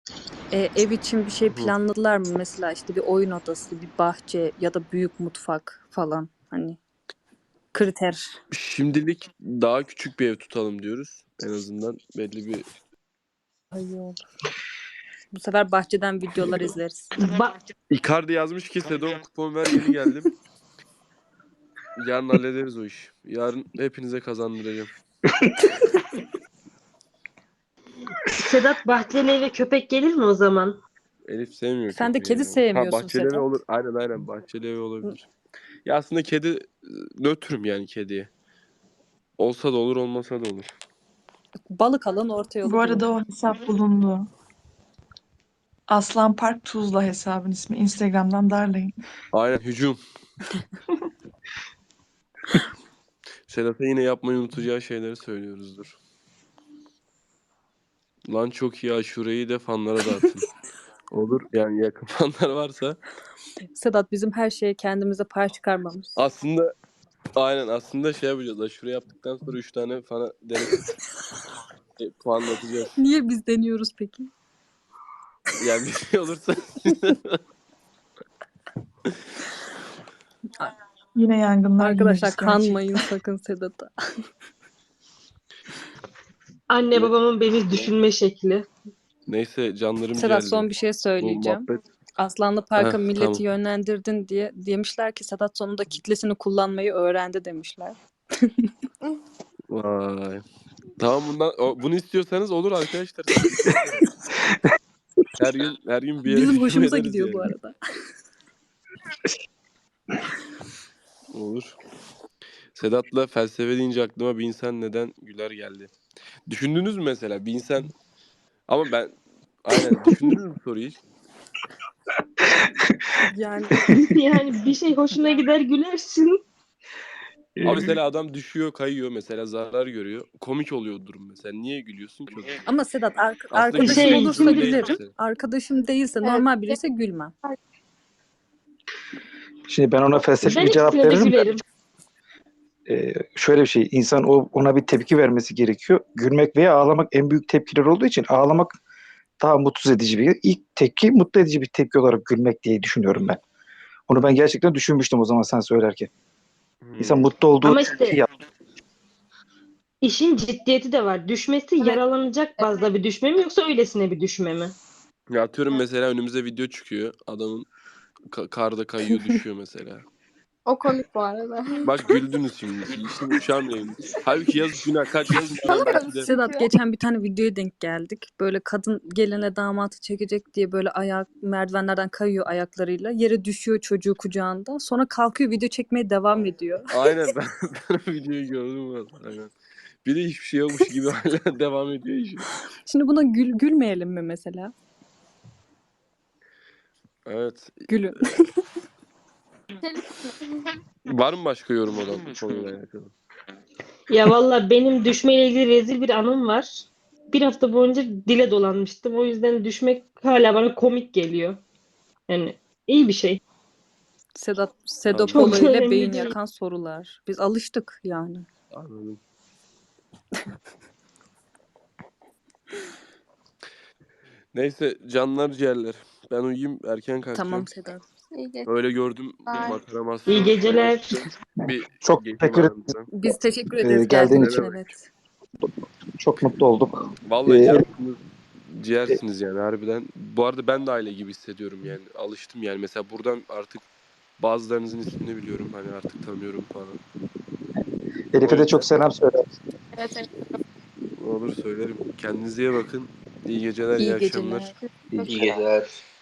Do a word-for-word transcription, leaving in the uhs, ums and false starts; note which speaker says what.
Speaker 1: Eee, ev için bir şey
Speaker 2: Hı.
Speaker 1: planladılar mı? Mesela, işte, bir oyun odası, bir bahçe ya da büyük mutfak falan, hani, kriter.
Speaker 2: Şimdilik daha küçük bir ev tutalım diyoruz. En azından belli bir
Speaker 1: Ay, iyi olur. Bu sefer bahçeden videolar izleriz.
Speaker 3: Ba
Speaker 2: Icardi yazmış ki "Sedo kupon ver yeni geldim." Yarın hallederiz o işi. Yarın hepinize kazandıracağım.
Speaker 3: Sedat bahçeli eve köpek gelir mi o zaman?
Speaker 2: Elif sevmiyor
Speaker 1: Sen de
Speaker 2: köpeği
Speaker 1: kedi
Speaker 2: ya. Ha,
Speaker 1: sevmiyorsun
Speaker 2: bahçeli evi
Speaker 1: Sedat.
Speaker 2: olur. Aynen aynen bahçeli evi olabilir. Ya aslında kedi ııı, nötrüm yani kediye. Olsa da olur, olmasa da olur.
Speaker 1: Balık alan orta
Speaker 4: Bu
Speaker 1: yolu bulur.
Speaker 4: arada o hesap bulundu. Aslan Park Tuzla hesabın ismi. Instagram'dan darlayın.
Speaker 2: Aynen hücum. Sedat'a yine yapmayı unutacağı şeyleri söylüyoruzdur. Lan çok iyi aşureyi de fanlara dağıtın. Olur yani yakın fanlar varsa.
Speaker 1: Sedat bizim her şeye kendimize pay çıkarmamız.
Speaker 2: Aslında aynen aslında şey yapacağız. Aşure yaptıktan sonra üç tane fana denetip e, puanlatacağız.
Speaker 1: Niye biz deniyoruz peki?
Speaker 2: Yani bir şey olursa
Speaker 4: Yine yangınlar, yine
Speaker 1: Arkadaşlar
Speaker 4: risk gerçekten.
Speaker 1: kanmayın sakın Sedat'a.
Speaker 3: Anne
Speaker 2: Ne?
Speaker 3: babamın beni düşünme şekli.
Speaker 2: Neyse canlarım
Speaker 1: Sedat
Speaker 2: ciğerlerim.
Speaker 1: son bir şey
Speaker 2: Bu
Speaker 1: söyleyeceğim.
Speaker 2: muhabbet.
Speaker 1: Aslanlı Park'a
Speaker 2: Heh,
Speaker 1: milleti
Speaker 2: tamam.
Speaker 1: yönlendirdin diye demişler ki Sedat sonunda kitlesini kullanmayı öğrendi demişler.
Speaker 2: Vay. Tamam bundan o- bunu istiyorsanız olur arkadaşlar. Her gün her gün bir yere
Speaker 1: Bizim
Speaker 2: hücum
Speaker 1: hoşumuza
Speaker 2: ederiz
Speaker 1: gidiyor
Speaker 2: yani.
Speaker 1: bu arada.
Speaker 2: Olur. Sedat'la felsefe deyince aklıma bir insan neden güler geldi. Düşündünüz mü mesela bir insan ama ben aynen düşündünüz mü soruyu hiç?
Speaker 1: Yani
Speaker 3: Yani bir şey hoşuna gider gülersin.
Speaker 2: Ama mesela adam düşüyor, kayıyor mesela zarar görüyor. Komik oluyor durum mesela. Niye gülüyorsun ki o zaman?
Speaker 1: ama Sedat ar-
Speaker 2: Aslında
Speaker 1: arkadaşım
Speaker 3: Şey,
Speaker 2: gülmek
Speaker 1: olursa
Speaker 2: durum değil
Speaker 1: gülerim.
Speaker 2: mesela.
Speaker 1: Arkadaşım değilse normal biriyse gülmem.
Speaker 5: Şimdi ben ona felsefi
Speaker 3: Ben
Speaker 5: bir cevap
Speaker 3: ikisine de
Speaker 5: veririm.
Speaker 3: gülerim.
Speaker 5: Ee, şöyle bir şey, insan o ona bir tepki vermesi gerekiyor. Gülmek veya ağlamak en büyük tepkiler olduğu için ağlamak daha mutsuz edici bir. İlk tepki mutlu edici bir tepki olarak gülmek diye düşünüyorum ben. Onu ben gerçekten düşünmüştüm o zaman sen söylerken. İnsan
Speaker 2: Hmm.
Speaker 5: mutlu olduğu
Speaker 3: Ama
Speaker 5: tepki
Speaker 3: işte
Speaker 5: yap.
Speaker 3: işin ciddiyeti de var. Düşmesi yaralanacak bazda bir düşme mi yoksa öylesine bir düşme mi?
Speaker 2: Ya atıyorum mesela önümüze video çıkıyor. Adamın ka- karda kayıyor düşüyor mesela.
Speaker 6: O komik bu arada.
Speaker 2: Bak güldünüz şimdi. İşin uşağım neymiş. Halbuki yazık günah kaç yaşındayım belki de.
Speaker 1: Sedat geçen bir tane videoya denk geldik. Böyle kadın geline damatı çekecek diye böyle ayak merdivenlerden kayıyor ayaklarıyla. Yere düşüyor çocuğu kucağında. Sonra kalkıyor video çekmeye devam ediyor.
Speaker 2: Aynen ben, ben o videoyu gördüm valla. Aynen. Bir de hiçbir şey yokmuş gibi hala devam ediyor işi.
Speaker 1: Şimdi buna gül gülmeyelim mi mesela?
Speaker 2: Evet.
Speaker 1: Gülün.
Speaker 2: Var mı başka yorum olan bu konuyla alakalı?
Speaker 3: Ya valla benim düşmeyle ilgili rezil bir anım var. Bir hafta boyunca dile dolanmıştım. O yüzden düşmek hala bana komik geliyor. Yani iyi bir şey.
Speaker 1: Sedat
Speaker 2: Anladım.
Speaker 1: Sedopolo
Speaker 3: Çok da
Speaker 1: ile
Speaker 3: önemli
Speaker 1: beyin
Speaker 3: değil.
Speaker 1: yakan sorular. Biz alıştık yani.
Speaker 2: Anladım. Neyse canlar ciğerler. Ben uyuyayım erken kalkacağım.
Speaker 1: Tamam Sedat.
Speaker 6: İyi geç.
Speaker 2: Öyle gördüm
Speaker 6: Bye.
Speaker 2: makaramasyon.
Speaker 3: İyi geceler.
Speaker 2: Bir
Speaker 5: Çok
Speaker 2: geçeyim
Speaker 5: teşekkür ederim.
Speaker 2: aranızdan.
Speaker 1: Biz teşekkür
Speaker 5: Ee,
Speaker 1: ederiz
Speaker 5: geldiğin
Speaker 1: geldiğin
Speaker 5: için.
Speaker 1: için evet.
Speaker 5: Çok mutlu olduk.
Speaker 2: Vallahi
Speaker 5: Ee,
Speaker 2: cansınız, ciğersiniz yani harbiden. Bu arada ben de aile gibi hissediyorum yani. Alıştım yani. Mesela buradan artık bazılarınızın ismini biliyorum. Hani artık tanıyorum falan.
Speaker 5: Elif'e
Speaker 2: O
Speaker 5: de çok
Speaker 2: yüzden
Speaker 5: selam söyle.
Speaker 6: Evet, evet.
Speaker 2: olur söylerim. Kendinize iyi bakın. İyi geceler, iyi
Speaker 1: İyi
Speaker 2: akşamlar.
Speaker 1: geceler.
Speaker 5: İyi
Speaker 6: Çok
Speaker 5: geceler.